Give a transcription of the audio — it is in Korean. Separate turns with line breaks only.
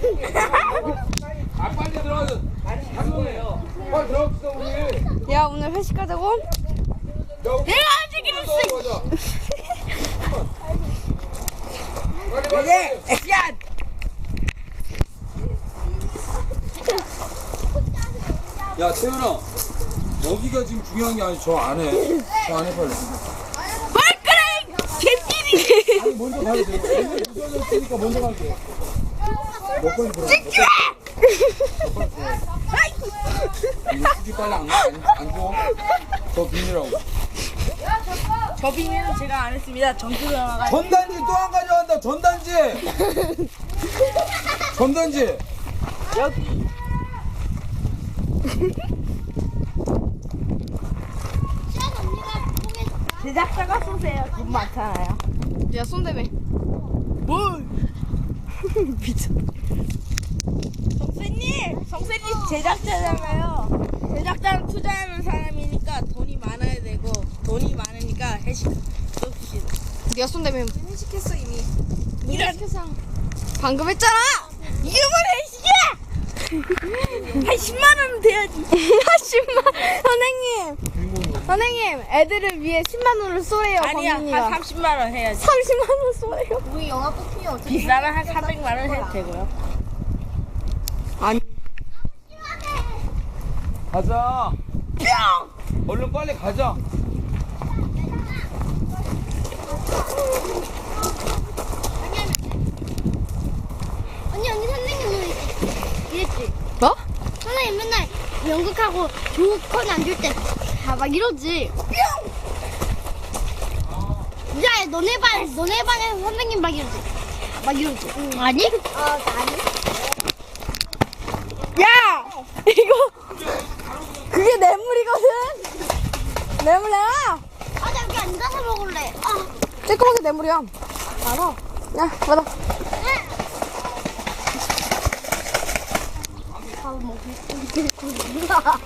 아 빨리 들어가서 한번해요. 빨리 들어갑시다 우리.
야 오늘 회식하자고?
내가
아직은 있어.
빨리 빨리.
액션!
야 태윤아, 여기가 지금 중요한 게 아니 저 안에. 저 안에 빨리.
발가락! 개띠리!
아니 먼저 가야 돼. 오늘 무서워졌으니까 먼저 갈게. 몇 번이 들어? 이거 수지 빨리 안 줘. 저 비밀하고.
저 비밀은 제가 안 했습니다. 전투 전화가.
전단지 또 안 가져간다. 전단지. 전단지.
여기. 제작자가 쏘세요. 돈 많잖아요.
야 손대매.
뭘? 미쳐. 성세님 제작자잖아요. 제작자는 투자하는 사람이니까 돈이 많아야 되고 돈이 많으니까 회식 쏩시다.
네가 손대매.
회식했어 이미.
이런 방금 했잖아.
이름을 회식이야. 한 10만 원은 돼야지.
10만 선생님 애들을 위해 10만 원을 쏘래요.
아니야,
범인이가.
한 30만 원 해야지.
30만 원 쏘래요.
우리 영화 뽑히면 어떻게?
비싸면 한 300만 원 해도 되고요.
아니
가자. 얼른 빨리 가자.
언니 선생님 이랬지.
뭐?
선생님 맨날 연극하고 조건 안 줄 때 막 이러지. 야 너네 반에 선생님 막 이러지. 막 이러지. 아니? 아니.
야 이거 그게 뇌물이거든. 뇌물 내놔.
아, 나 여기 앉아서 먹을래. 아,
쬐끄맣게 뇌물이야. 알아. 야 받아.
밥 먹을 거.